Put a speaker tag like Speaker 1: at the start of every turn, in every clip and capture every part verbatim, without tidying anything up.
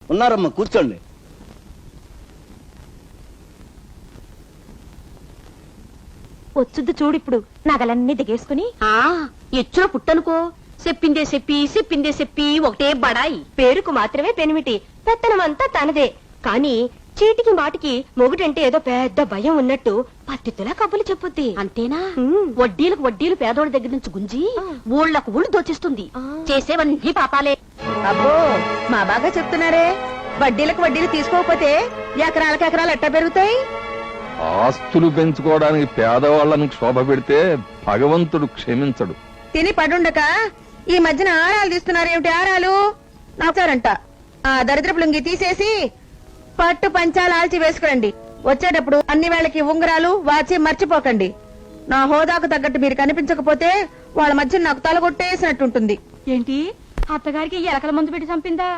Speaker 1: ఉన్నారమ్మా, కూర్చోండి.
Speaker 2: వచ్చుద్దు చూడు ఇప్పుడు నగలన్నీ దిగేసుకుని.
Speaker 3: ఆ ఎచ్చులో పుట్టనుకో, చెప్పిందే చెప్పి చెప్పిందే చెప్పి ఒకటే బడాయి.
Speaker 2: పేరుకు మాత్రమే పెనిమిటి, పెత్తనమంతా తనదే. కాని చీటికి మాటికి మొగుడంటే ఏదో పెద్ద భయం ఉన్నట్టు పత్తితులా కబులు చెప్పుద్ది.
Speaker 3: అంతేనా? వడ్డీలకు వడ్డీలు పేదోడి దగ్గర నుంచి గుంజి ఊళ్ళకు ఊళ్ళు దోచిస్తుంది. చేసేవన్నీ పాపాలే.
Speaker 4: అబ్బో, మా బాగా చెప్తున్నారే. వడ్డీలకు వడ్డీలు తీసుకోకపోతే ఎకరాలకు ఎకరాలు ఎట్టా పెరుగుతాయి?
Speaker 5: ఆస్తులు పెంచుకోవడానికి పేదవాళ్ళని క్షోభ పెడితే భగవంతుడు క్షమించడు.
Speaker 4: తిని పడుండక ఈ మధ్యన ఆరాలు తీస్తున్నారు ఏమిటి? ఆరాలు నాచారంట. ఆ దరిద్రపు లుంగి తీసేసి పట్టు పంచాలు ఆల్చి వేసుకురండి. వచ్చేటప్పుడు అన్ని వేళకి ఉంగరాలు వాచి మర్చిపోకండి. నా హోదాకు తగ్గట్టు మీరు కనిపించకపోతే వాళ్ళ మధ్య నాకు తలగొట్టేసినట్టుంటుంది.
Speaker 2: ఏంటి, అత్తగారికి ఎలకల మందు పెట్టి చంపిందా?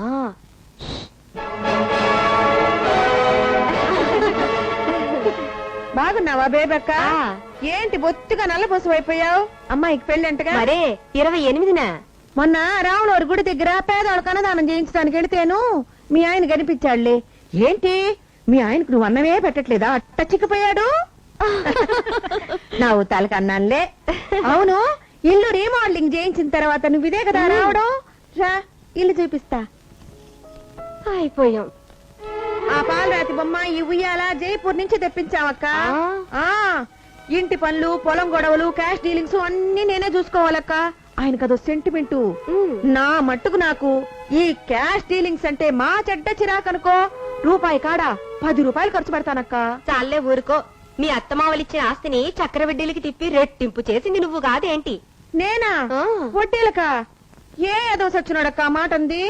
Speaker 4: బాగున్నావా బేబక్క? ఏంటి బొత్తిగా నల్లబోసం అయిపోయావు? అమ్మాయికి పెళ్ళంటగా?
Speaker 2: మరే ఇరవై ఎనిమిదిన
Speaker 4: మొన్న రాములవారి గుడి దగ్గర పేదవాళ్ళకు అన్నదానం చేయించడానికి వెళితేను మీ ఆయన కనిపించాడులే. ఏంటి మీ ఆయనకు నువ్వు అన్నమే పెట్టట్లేదా? అట్ట చిక్కిపోయాడు. నా ఊతాలకు అన్నానులే. అవును, ఇల్లు రీమోడలింగ్ చేయించిన తర్వాత నువ్వు ఇదే కదా రావడం? రా, ఇల్లు చూపిస్తా.
Speaker 2: అయిపోయాం.
Speaker 4: ఆ పాలరాతి బొమ్మ ఈ ఉయ్యాల జైపూర్ నుంచి తెప్పించావక్క. ఆ ఇంటి పనులు, పొలం గొడవలు, క్యాష్ డీలింగ్స్ అన్ని నేనే చూసుకోవాలక్క. ఆయనకదో సెంటిమెంటు. నా మట్టుకు నాకు ఈ క్యాష్ డీలింగ్స్ అంటే మా చెడ్డ చిరాకనుకో. రూపాయి కాడా పది రూపాయలు ఖర్చు పెడతానక్క.
Speaker 2: చాలే ఊరుకో. మీ అత్తమావలిచ్చిన ఆస్తిని చక్రవడ్డీలకి తిప్పి రెట్టింపు చేసింది నువ్వు కాదేంటి?
Speaker 4: నేనా? వడ్డీలక? ఏ ఏదో సచ్చినాడక్క మాట అంది.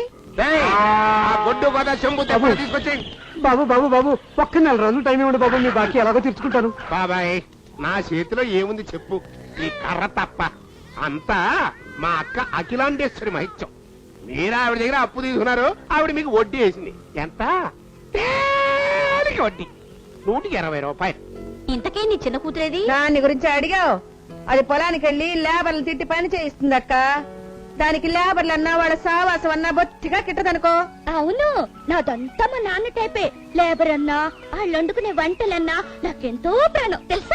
Speaker 6: బాబు బాబు బాబు ఒక్క నెల రోజులు టైం ఇవ్వండి బాబు, మీ బాకీ ఎలాగో తీర్చుకుంటాను.
Speaker 7: బాబాయ్, నా చేతిలో ఏముంది చెప్పు? ఈ కర్ర తప్ప అంతా మా అక్క అఖిలాండేశ్వరి మహిత్యం. మీరు ఆవిడ దగ్గర అప్పు తీసుకున్నారు, ఆవిడ మీకు వడ్డీ వేసింది. ఎంత? వడ్డీ నూటికి ఇరవై రూపాయలు.
Speaker 3: ఇంతకే నీ చిన్న కూతురేది?
Speaker 4: దాని గురించి అడిగావు? అది పొలానికి వెళ్లి లేబర్లు తిట్టి పని చేయిస్తుందక్క. దానికి లేబర్లు అన్నా వాళ్ళ సావాసం అన్నా బొత్తిగా కిట్టదనుకో.
Speaker 3: అవును, నాదంతా మా నాన్న టైపే. లేబర్ అన్నా, వాళ్ళు వండుకునే వంటలన్నా నాకెంతో ప్రాణం తెలుసా.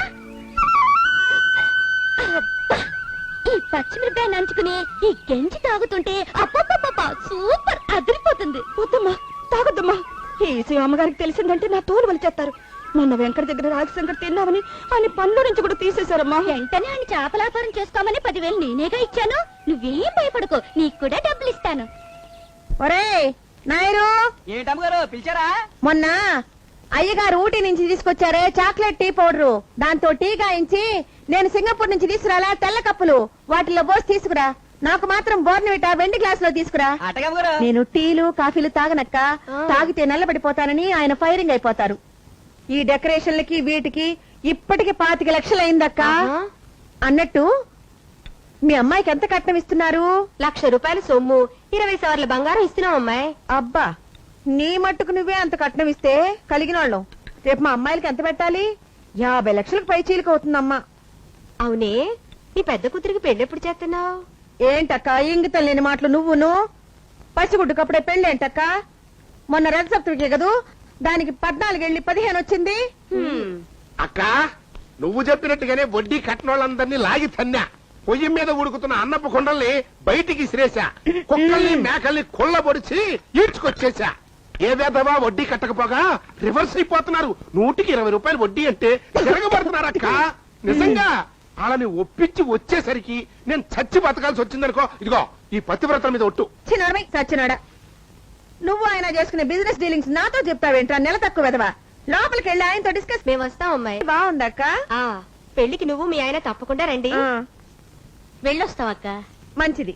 Speaker 3: ఈ పచ్చిమిరపకాయ నంచుకుని ఈ గెంజి తాగుతుంటే అప్పప్ప సూపర్ అదిరిపోతుంది.
Speaker 2: వద్దమ్మా, తాగొద్దమ్మా. ఈ విషయం అమ్మగారికి తెలిసిందంటే నా తోలు వలిచేస్తారు. మొన్న వెంకట దగ్గర రాజశంకర్ తిన్నామని ఆయన పనుల నుంచి కూడా తీసేశారమ్మా.
Speaker 3: వెంటనే ఆయన చేపలాపారం చేసుకోమని పదివేలు నేనేగా ఇచ్చాను. నువ్వేం భయపడకు, నీకు కూడా డబ్బులు ఇస్తాను.
Speaker 4: ఒరే నాయరు,
Speaker 1: ఏంటమ్మగారు పిలిచారా?
Speaker 4: మొన్న అయ్యగారు ఊటీ నుంచి తీసుకొచ్చారే చాక్లెట్ టీ పౌడరు, దాంతో టీ గాయించి నేను సింగపూర్ నుంచి తీసుకురాలా తెల్ల కప్పులు, వాటిలో పోసి తీసుకురా. నాకు మాత్రం బోర్నవిటా వెండి గ్లాస్ లో తీసుకురా. నేను టీలు కాఫీలు తాగనక్క. తాగితే నల్లబడిపోతానని ఆయన ఫైరింగ్ అయిపోతారు. ఈ డెకరేషన్లకి వీటికి ఇప్పటికి పాతిక లక్షలు అయిందక్క. అన్నట్టు మీ అమ్మాయికి ఎంత కట్నం ఇస్తున్నారు?
Speaker 2: లక్ష రూపాయల సొమ్ము, ఇరవై సార్లు బంగారం ఇస్తున్నాం అమ్మాయి.
Speaker 4: అబ్బా, నీ మట్టుకు నువ్వే అంత కట్నం ఇస్తే కలిగిన వాళ్ళం. రేపు మా అమ్మాయిలకి ఎంత పెట్టాలి? యాభై లక్షలకు పై చీలిక అవుతుందమ్మా.
Speaker 2: అవునే, నీ పెద్ద కూతురికి పెళ్లి ఎప్పుడు చేస్తున్నావు?
Speaker 4: ఏంటక్క ఇంగితం లేని మాటలు నువ్వును? పసిగుడ్డుకప్పుడే పెళ్లి ఏంటక్క? మొన్న రథ సప్తమికే కదూ, దానికి పద్నాలుగేళ్లి పదిహేను వచ్చింది.
Speaker 7: అక్క, నువ్వు చెప్పినట్టుగానే వడ్డీ కట్టినోళ్ళందరినీ లాగి తన్నా. పొయ్యి మీద ఉడుకుతున్న అన్నపు కొండల్ని బయటికి ఇసిరేసా. కుక్కల్ని మేకల్ని కొల్లబొడిచి ఈడ్చుకొచ్చేసా. ఏదేదవా వడ్డీ కట్టకపోగా రివర్స్ అయిపోతున్నారు. నూటికి ఇరవై రూపాయలు వడ్డీ అంటే తిరగబడుతున్నారక్క. నిజంగా వాళ్ళని ఒప్పించి వచ్చేసరికి నేను చచ్చి బతకాల్సి వచ్చిందనుకో. ఇదిగో ఈ పతివ్రతల మీద ఒట్టు.
Speaker 4: చిన్నరమై సచ్చినాడా, నువ్వు ఆయన చేసుకునే బిజినెస్ డీలింగ్స్ నాతో చెప్తావేంట్రా? నెల తక్కువ వెదవా. లోపలికి వెళ్ళి ఆయనతో డిస్కస్.
Speaker 2: మేము వస్తాం అమ్మాయి.
Speaker 4: బాగుందక్క.
Speaker 2: పెళ్లికి నువ్వు మీ ఆయన తప్పకుండా రండి.
Speaker 3: వెళ్ళొస్తావక్క.
Speaker 4: మంచిది.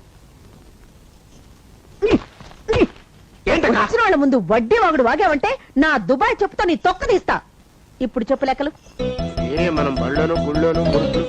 Speaker 7: ఏంటక్క?
Speaker 4: వచ్చిన వాళ్ళ ముందు వడ్డీ వాగుడు వాగావంటే నా దుబాయ్ చెప్పుతో నీ తొక్క తీస్తా. ఇప్పుడు చెప్పు లెక్కలు.
Speaker 7: ఏ మనం బళ్ళోను గుళ్ళోను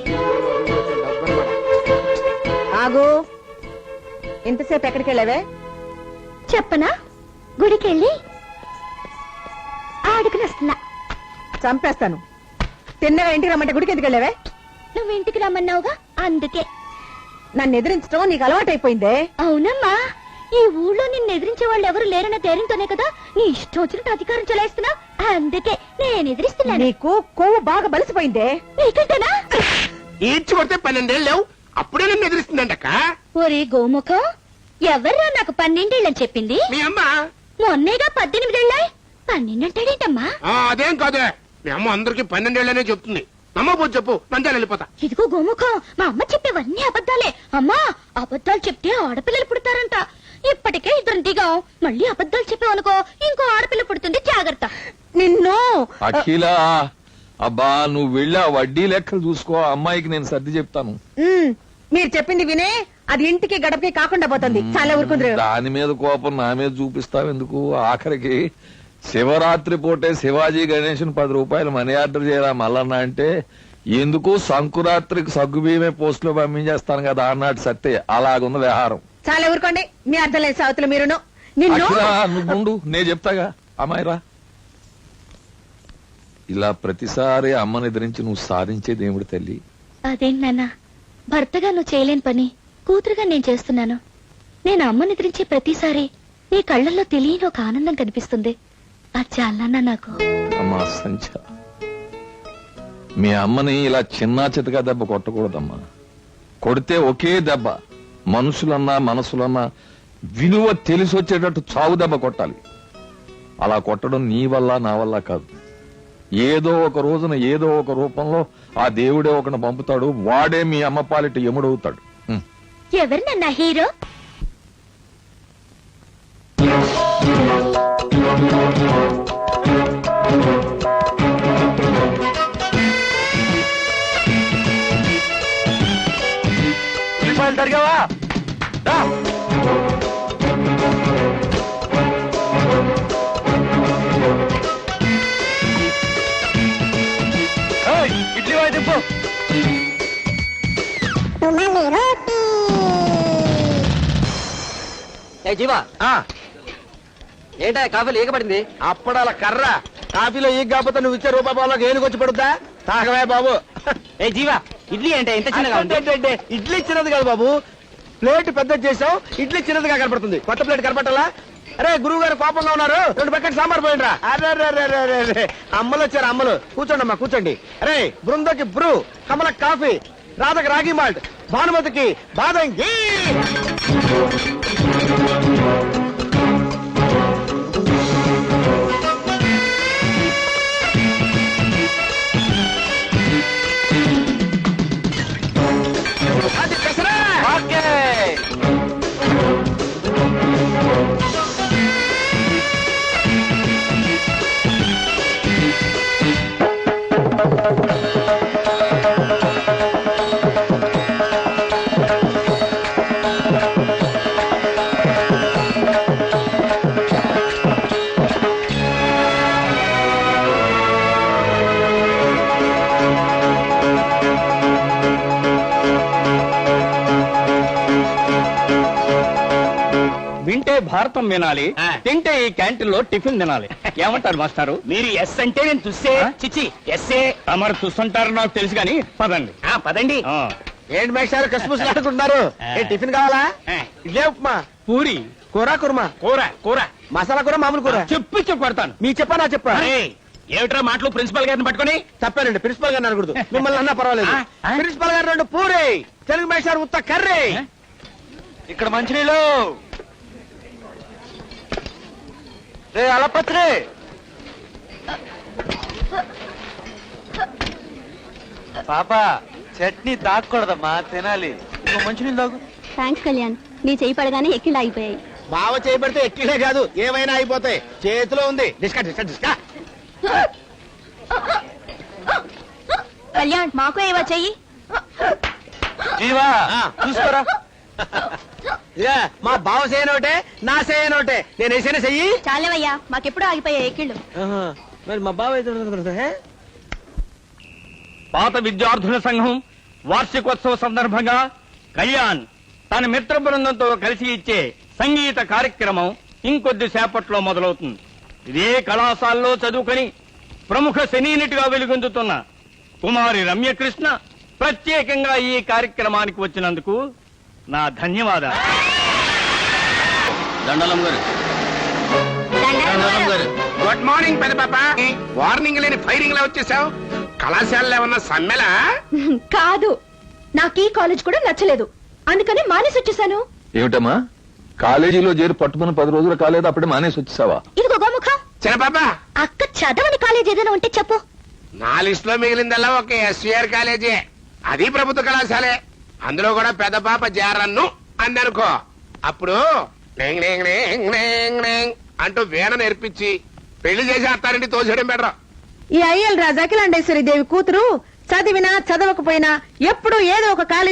Speaker 4: ఆగు. ఇంతసేపు ఎక్కడికి వెళ్ళావే?
Speaker 3: చెప్పనా? గుడికెళ్ళి ఆడుకుని వస్తున్నా.
Speaker 4: చంపేస్తాను. తిన్నవే ఇంటికి రమ్మంటే గుడికి ఎందుకు వెళ్ళావే?
Speaker 3: నువ్వు ఇంటికి రమ్మన్నావుగా, అందుకే.
Speaker 4: నన్ను ఎదిరించడం నీకు అలవాటైపోయిందే.
Speaker 3: అవునమ్మా, ఈ ఊళ్ళో నిన్ను ఎదిరించే వాళ్ళు ఎవరు లేరన్న ధైర్యంతోనే కదా నీ ఇష్టం వచ్చినట్టు అధికారం చెలాయిస్తున్నా. అందుకే నేను ఎదిరిస్తున్నాను.
Speaker 4: నీకు కొవ్వు బాగా బలిసిపోయిందే.
Speaker 3: నీకంటేనా?
Speaker 7: ఈడ్చి కొడితే పన్నెండేళ్ళు లేవు, అప్పుడే నన్ను ఎదిరిస్తుందంటక్క.
Speaker 3: ఒరే గోముఖం, ఎవర్రా నాకు పన్నెండేళ్ళని చెప్పింది?
Speaker 7: మీ అమ్మ.
Speaker 3: మొన్నేగా పద్దెనిమిదేళ్ళాయి, పన్నెండంటాడేంటమ్మా?
Speaker 7: ఆ, అదేం కాదే, మీ అమ్మ అందరికి పన్నెండేళ్లనే చెప్తుంది. నమ్మబోదు చెప్పు, నంద్యాల వెళ్ళిపోతా.
Speaker 3: ఇదిగో గోముఖం, మా అమ్మ చెప్పేవన్నీ అబద్ధాలే. అమ్మా, అబద్ధాలు చెప్తే ఆడపిల్లలు పుడతారంట. ఇప్పటికే ఇద్దరు దిగాం, మళ్ళీ అబద్ధాలు చెప్పావనుకో ఇంకో ఆడపిల్ల పుడుతుంది, జాగ్రత్త.
Speaker 4: నిన్ను
Speaker 5: అఖిల, అబ్బా నువ్వు వెళ్ళి ఆ వడ్డీ లెక్కలు చూసుకో, అమ్మాయికి నేను సర్ది చెప్తాను.
Speaker 4: ఉమ్, మీరు చెప్పింది వినే అది ఇంటికి గడపకి కాకుండా పోతుంది. చాలా ఊరుకుందరు.
Speaker 5: దాని మీద కోపం నా మీద చూపిస్తావు ఎందుకు? ఆఖరికి శివరాత్రి పూటే శివాజీ గణేష్ పది రూపాయలు మనీ ఆర్డర్ చేయరా మల్లన్న అంటే ఎందుకు సంకురాత్రికి సగ్గు బియ్యమే పోస్ట్ లో పంపించేస్తాను కదా అన్నట్టు సత్తే. అలాగుంది వ్యవహారం.
Speaker 4: చాలా ఊరుకోండి, మీ అర్థం లేదు సావతులు మీరును. నిన్ను
Speaker 5: అఖిల, నువ్వు ఉండు, నేను చెప్తాగా. అమ్మాయిరా, ఇలా ప్రతిసారి అమ్మని ఎదిరించి నువ్వు సాధించేది ఏమిటి తల్లి?
Speaker 3: అదేంటి నాన్న, భర్తగా నువ్వు చేయలేని పని కూతురుగా నేను చేస్తున్నాను. నేను అమ్మని ఎదిరించే ప్రతిసారి నీ కళ్ళల్లో తెలియని ఒక ఆనందం కనిపిస్తుంది. అది చాలా నాకు.
Speaker 5: అమ్మా సంచ, మీ అమ్మని ఇలా చిన్నా చితగా దెబ్బ కొట్టకూడదమ్మా. కొడితే ఒకే దెబ్బ, మనుషులన్నా మనసులన్నా విలువ తెలిసి వచ్చేటట్టు చావు దెబ్బ కొట్టాలి. అలా కొట్టడం నీ వల్ల నా వల్ల కాదు. ఏదో ఒక రోజున ఏదో ఒక రూపంలో ఆ దేవుడే ఒకని పంపుతాడు, వాడే మీ అమ్మ పాలిట ఎముడవుతాడు. హ్మ్.
Speaker 3: ఎవరు నన్న హీరో?
Speaker 1: జరిగావా? ఇడ్లీ వాయి తిప్పు. ఏ జీవా, ఏంటా కాఫీలు ఏకపడింది?
Speaker 7: అప్పడాల కర్ర కాఫీలో ఈ కాకపోతే నువ్వు ఇచ్చే రూపాయి బాబులోకి ఏనుకొచ్చి పడుద్దా? తాగవే బాబు.
Speaker 1: ఏ జీవా, ఇడ్లీ అంటే ఇంత చిన్నగా ఉంది?
Speaker 7: అంటే ఇడ్లీ చిన్నది కాదు బాబు, ప్లేట్ పెద్ద చేసావు, ఇడ్లీ చిన్నదిగా కనపడుతుంది. కొత్త ప్లేట్ కనపట్టాలా? అరే గురువు గారు కోపంగా ఉన్నారు, రెండు పక్కన సాంబార్ పోయిండ్రా. అరే అమ్మలు వచ్చారు, అమ్మలు. కూర్చోండి అమ్మా, కూర్చోండి. అరే బృందకి బ్రూ, కమలకి కాఫీ, రాధకి రాగి మాల్ట్, భానుమతికి బాదం ఘీ. అది పెసరా.
Speaker 1: ఓకే. వింటే భారతం వినాలి, తింటే ఈ క్యాంటీన్ లో టిఫిన్ తినాలి. ఏమంటారు మాస్టారు? మీరు ఎస్ అంటే నేను చూస్తే చిచ్చి ఎస్ఏ మరి చూస్తుంటారు నాకు తెలుసు కానీ పదండి. పదండి.
Speaker 7: ఏంటి మేషారు కసుపుసులు ఆడుకుంటున్నారు? ఏ టిఫిన్ కావాలా? ఇడ్లీ, ఉప్మా,
Speaker 1: పూరి,
Speaker 7: కూర, కుర్మా,
Speaker 1: కూర కూర
Speaker 7: మసాలా కూర, మామూలు కూర.
Speaker 1: చెప్పి చెప్పి కొడతాను.
Speaker 7: మీ చెప్పా నా చెప్పా?
Speaker 1: ఏమిట్రా మాటలు ప్రిన్సిపల్ గారిని పట్టుకొని?
Speaker 7: తప్పానండి, ప్రిన్సిపల్ గారిని అనకూడదు. మిమ్మల్ని అన్నా పర్వాలేదు. ప్రిన్సిపల్ గారు రెండు పూరి, తెలుగు మేషారు ఉత్త కర్రీ.
Speaker 1: ఇక్కడ మంచినీళ్ళు అలపత్రి. పాప చట్నీ తాగకూడదమ్మా, తినాలి. మంచినీళ్ళు తాగు.
Speaker 3: థ్యాంక్స్ కళ్యాణ్, నీ చేయి పడగానే ఎక్కిళ్ళు ఆగిపోయాయి.
Speaker 7: బావ చేయబడితే ఎక్కిలే కాదు ఏమైనా అయిపోతాయి. చేతిలో ఉంది. డిస్కా డిస్కా డిస్కా.
Speaker 3: కళ్యాణ్, మాకు ఏవో చెయ్యి.
Speaker 1: జీవా చూసుకోరా.
Speaker 7: మా బావ చేయనోటే, నా చేయనోటే. నేను వేసిన చెయ్యి.
Speaker 3: చాలేవయ్యా, మాకెప్పుడు ఆగిపోయాయి ఎక్కిళ్ళు.
Speaker 7: మరి మా బావ అయితే
Speaker 1: పాత విద్యార్థుల సంఘం వార్షికోత్సవ సందర్భంగా కళ్యాణ్ తన మిత్ర బృందంతో కలిసి ఇచ్చే సంగీత కార్యక్రమం ఇంకొద్ది సేపట్లో మొదలవుతుంది. ఇదే కళాశాలలో చదువుకొని ప్రముఖ సినీ నటిగా వెలుగొందుతున్న కుమారి రమ్యకృష్ణ ప్రత్యేకంగా ఈ కార్యక్రమానికి వచ్చినందుకు నా ధన్యవాదాలు. దండలం గారు దండలం గారు
Speaker 7: గుడ్ మార్నింగ్ పెద్ద పాప వార్నింగ్ లేని ఫైరింగ్ లా వచ్చేసావు. కళాశాలలో ఏమన్నా సమ్మెలా?
Speaker 2: కాదు, నాకు ఈ కాలేజ్ కూడా నచ్చలేదు, అందుకని మానేసి వచ్చేసాను.
Speaker 5: ఏమిటమ్మా కాలేజీలో చేరి పట్టుమని పది రోజులు కాలేదు అప్పుడే మానేసి వచ్చేసావా?
Speaker 3: ఇదిగో గోముఖం,
Speaker 7: చిన్న పాప
Speaker 3: అక్క చదవని కాలేజ్ ఏదైనా ఉంటే చెప్పు.
Speaker 7: నా లిస్ట్ లో మిగిలిందల్లా ఒక ఎస్వీఆర్ కాలేజీ, అది ప్రభుత్వ కళాశాలే. అందులో కూడా పెద్ద పాప జారన్ను అందనుకో, అప్పుడు నేంగ్ నేంగ్ నేంగ్ నేంగ్ నేంగ్ అంటూ వీణ నేర్పించి పెళ్లి చేసి అత్తారింటి తోసేయడం బెటర్.
Speaker 4: ఈ అయ్యల్ రాజు అఖిలాండేశ్వరి దేవి కూతురు చదివినా చదవకపోయినా ఎప్పుడు ఏదో ఒక కాలేజీ